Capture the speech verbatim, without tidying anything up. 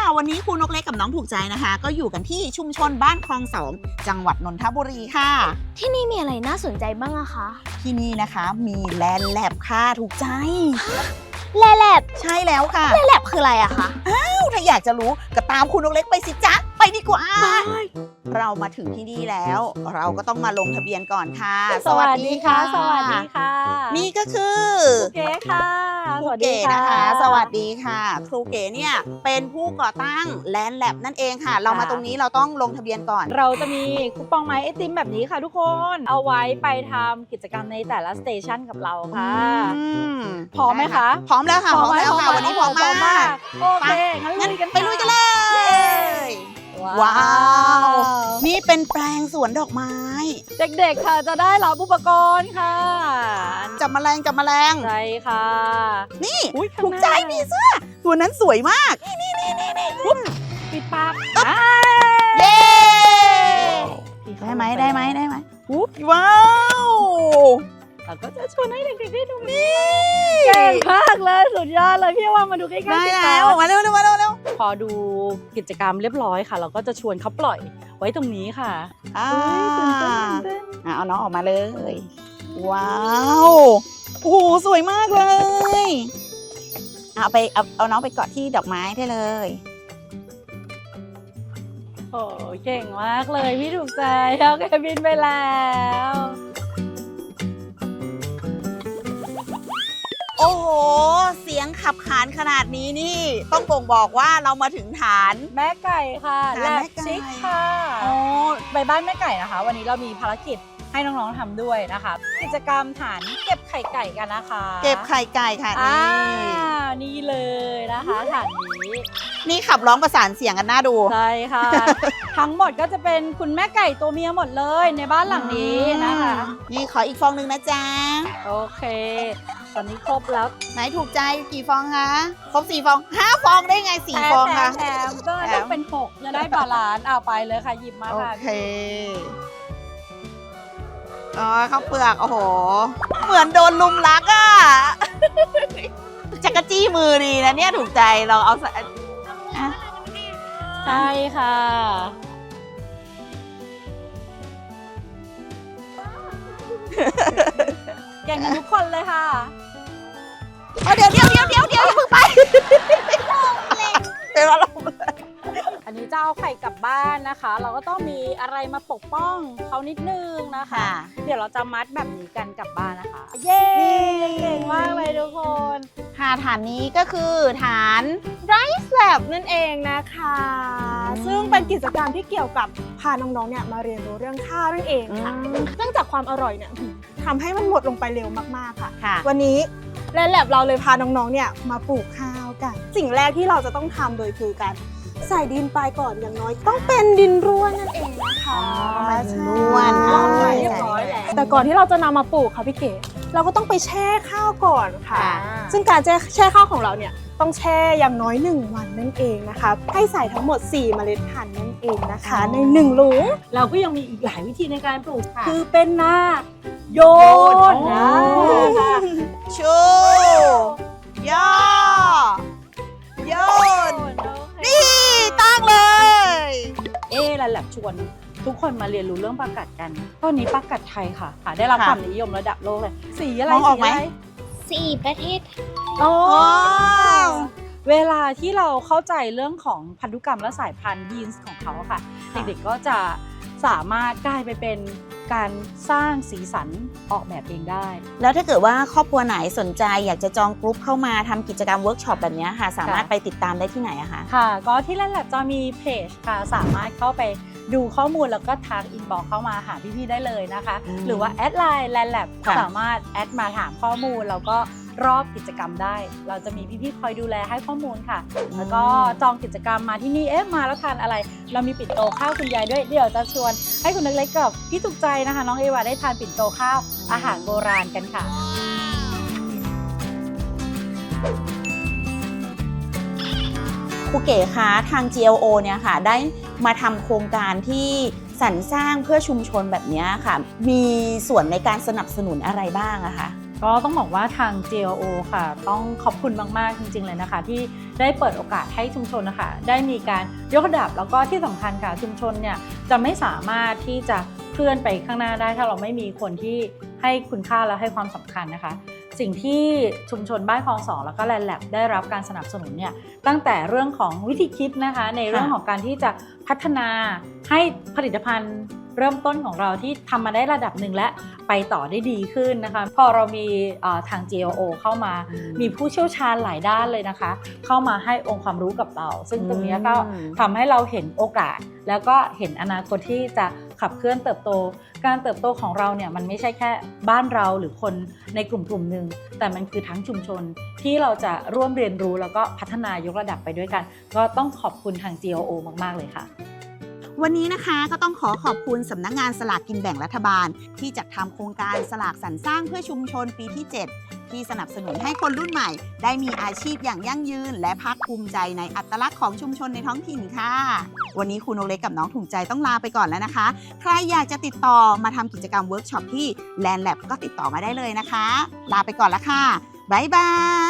วันนี้ครูนกเล็กกับน้องถูกใจนะคะ ก็อยู่กันที่ชุมชนบ้านคลองสองจังหวัดนนทบุรีค่ะที่นี่มีอะไรน่าสนใจบ้างอะคะที่นี่นะคะมีแลนด์แลบค่ะถูกใจแลนด์แลบใช่แล้วค่ะแลนด์แลบคืออะไรอะคะอ้าวถ้าอยากจะรู้ก็ตามครูนกเล็กไปสิจ๊ะไปดีกว่าเรามาถึงที่นี่แล้วเราก็ต้องมาลงทะเบียนก่อนค่ะสวัสดีค่ะสวัสดีค่ะนี่ก็คือครูเก๋ค่ะครูเก๋นะคะสวัสดีค่ะครูเก๋เนี่ยเป็นผู้ก่อตั้งแลนด์แลบนั่นเองค่ะเรามาตรงนี้เราต้องลงทะเบียนก่อนเราจะมีคูปองไม้ไอติมแบบนี้ค่ะทุกคนเอาไว้ไปทำกิจกรรมในแต่ละสเตชันกับเราค่ะพร้อมไหมคะพร้อมแล้วค่ะพร้อมแล้วค่ะวันนี้พร้อมมากโอเคงั้นลุยกันไปลุยกันเลยว้าวนี่เป็นแปลงสวนดอกไม้เด็กๆค่ะจะได้รับอุปกรณ์ค่ะจับแมลงจับแมลงใช่ค่ะนี่ถูกใจมีเสื้อตัวนั้นสวยมากนี่นี่นี่นี่นี่ปิดปากเย้ได้ไหมได้ไหมได้ไหมว้าวเราก็จะชวนให้เด็กๆได้ดูนี่เก่งมากเลยสุดยอดเลยพี่ว่ามาดูใกล้ๆได้แล้วมาเร็วเร็วมาเร็วเร็วพอดูกิจกรรมเรียบร้อยค่ะเราก็จะชวนเขาปล่อยไว้ตรงนี้ค่ะอ่าเอาน้องออกมาเลยว้าวโอ้โหสวยมากเลยเอาไปเอาเอาน้องไปเกาะที่ดอกไม้ได้เลยโอ้เก่งมากเลยพี่ถูกใจแล้วแกบินไปแล้วโอ้โหเสียงขับขานขนาดนี้นี่ต้องบ่งบอกว่าเรามาถึงฐานแม่ไก่ค่ะแลบชิคค่ะโอ้ไปบ้านแม่ไก่นะคะวันนี้เรามีภารกิจให้น้องๆทำด้วยนะคะกิจกรรมฐานเก็บไข่ไก่กันนะคะเก็บไข่ไก่ค่ะนี่นี่เลยนะคะฐานนี้นี่ขับร้องประสานเสียงกันน่าดูใช่ค่ะ ทั้งหมดก็จะเป็นคุณแม่ไก่ตัวเมียหมดเลยในบ้านหลังนี้นะคะนี่ขออีกฟองนึงนะจ๊ะโอเคตอนนี้ครบแล้วไหนถูกใจกี่ฟองคะครบสี่ฟองห้าฟองได้ไงสี่ฟองคะแถมก็ต้องเป็นหกจะได้บาลานซ์เอาไปเลยค่ะหยิบมาค่ะโอเคอ๋อข้าวเปลือกโอ้โหเหมือนโดนลุมรักอ่ะจักรจี้มือดีนะเนี่ยถูกใจเราเอาใส่ใช่ค่ะเก่งกันทุกคนเลยค่ะเดี๋ยวเดี๋ยวเดี๋ยวเดี๋ยวเดี๋ยวอย่าเพิ่งไปเป็นว่าเราอันนี้จะเอาไข่กลับบ้านนะคะเราก็ต้องมีอะไรมาปกป้องเขานิดนึงนะคะเดี๋ยวเราจะมัดแบบนี้กันกลับบ้านนะคะเย้เก่งมากเลยทุกคนค่ะฐานนี้ก็คือฐาน Rice Lab นั่นเองนะคะซึ่งเป็นกิจกรรมที่เกี่ยวกับพาน้องๆเนี่ยมาเรียนรู้เรื่องข้าวนั่นเองค่ะเนื่องจากความอร่อยเนี่ยทำให้มันหมดลงไปเร็วมากๆค่ะวันนี้แลนด์แลบเราเลยพาน้องๆเนี่ยมาปลูกข้าวกันสิ่งแรกที่เราจะต้องทำโดยคือการใส่ดินไปก่อนอย่างน้อยต้องเป็นดินร่วนนั่นเองนะคะดินร่วนเรียบร้อยแล้วแต่ก่อนที่เราจะนำมาปลูกค่ะพี่เก๋เราก็ต้องไปแช่ข้าวก่อนค่ะซึ่งการแช่แช่ข้าวของเราเนี่ยต้องแช่อย่างน้อยหนึ่งวันนั่นเองนะคะให้ใส่ทั้งหมดสี่เมล็ดพันธุ์นั่นเองนะคะในหนึ่งหลุมเราก็ยังมีอีกหลายวิธีในการปลูกคือเป็นนาโยนนะชูย่อโยนนี่ตั้งเลยเอ๊ะแลนด์แลบชวนทุกคนมาเรียนรู้เรื่องปลากัดกันตอนนี้ปลากัดไทยค่ะได้รับความนิยมระดับโลกเลยสีอะไรมองออกไหมสีประเทศโอ้เวลาที่เราเข้าใจเรื่องของพันธุกรรมและสายพันธุ์ยีนส์ของเขาค่ะเด็กๆก็จะสามารถกลายไปเป็นการสร้างสีสันออกแบบเองได้แล้วถ้าเกิดว่าครอบครัวไหนสนใจอยากจะจองกรุ๊ปเข้ามาทำกิจกรรมเวิร์กช็อปแบบนี้ค่ะสามารถไปติดตามได้ที่ไหนอะคะค่ะก็ที่แลนด์แลบจะมีเพจค่ะสามารถเข้าไปดูข้อมูลแล้วก็ทักอินบ็อกซ์เข้ามาหาพี่ๆได้เลยนะคะหรือว่าแอดไลน์แลนด์แลบสามารถแอดมาถามข้อมูลแล้วก็รอบกิจกรรมได้เราจะมีพี่ๆคอยดูแลให้ข้อมูลค่ะแล้วก็จองกิจกรรมมาที่นี่เอ๊ะมาแล้วทานอะไรเรามีปิ่นโตข้าวคุณยายด้วยเดี๋ยวจะชวนให้คุณเล็กๆกับพี่ถูกใจนะคะน้องเอวาได้ทานปิ่นโตข้าวอาหารโบราณกันค่ะครูเก๋คะทาง จี แอล โอ เนี่ยค่ะได้มาทำโครงการที่สรรสร้างเพื่อชุมชนแบบนี้ค่ะมีส่วนในการสนับสนุนอะไรบ้างอะคะก็ต้องบอกว่าทาง จี แอล โอ ค่ะต้องขอบคุณมากๆจริงๆเลยนะคะที่ได้เปิดโอกาสให้ชุมชนนะคะได้มีการยกระดับแล้วก็ที่สำคัญค่ะชุมชนเนี่ยจะไม่สามารถที่จะเคลื่อนไปข้างหน้าได้ถ้าเราไม่มีคนที่ให้คุณค่าและให้ความสำคัญนะคะสิ่งที่ชุมชนบ้านคลองสองแล้วก็แลนด์แลบได้รับการสนับสนุนเนี่ยตั้งแต่เรื่องของวิธีคิดนะคะในเรื่องของการที่จะพัฒนาให้ผลิตภัณฑ์เริ่มต้นของเราที่ทำมาได้ระดับหนึ่งและไปต่อได้ดีขึ้นนะคะพอเรามีทาง จี แอล โอ เข้ามามีผู้เชี่ยวชาญหลายด้านเลยนะคะเข้ามาให้องค์ความรู้กับเราซึ่งตรงนี้ก็ทำให้เราเห็นโอกาสแล้วก็เห็นอนาคตที่จะขับเคลื่อนเติบโตการเติบโตของเราเนี่ยมันไม่ใช่แค่บ้านเราหรือคนในกลุ่มกลุ่มหนึ่งแต่มันคือทั้งชุมชนที่เราจะร่วมเรียนรู้แล้วก็พัฒนายกระดับไปด้วยกันก็ต้องขอบคุณทาง จี แอล โอ มากๆเลยค่ะวันนี้นะคะก็ต้องขอขอบคุณสำนักงานสลากกินแบ่งรัฐบาลที่จัดทำโครงการสลากสรรสร้างเพื่อชุมชนปีที่เจ็ดที่สนับสนุนให้คนรุ่นใหม่ได้มีอาชีพอย่างยั่งยืนและภาคภูมิใจในอัตลักษณ์ของชุมชนในท้องถิ่นค่ะวันนี้ครูนกเล็กกับน้องถุงใจต้องลาไปก่อนแล้วนะคะใครอยากจะติดต่อมาทำกิจกรรมเวิร์กช็อปที่ แลนด์ แลบ ก็ติดต่อมาได้เลยนะคะลาไปก่อนแล้วค่ะบ๊ายบาย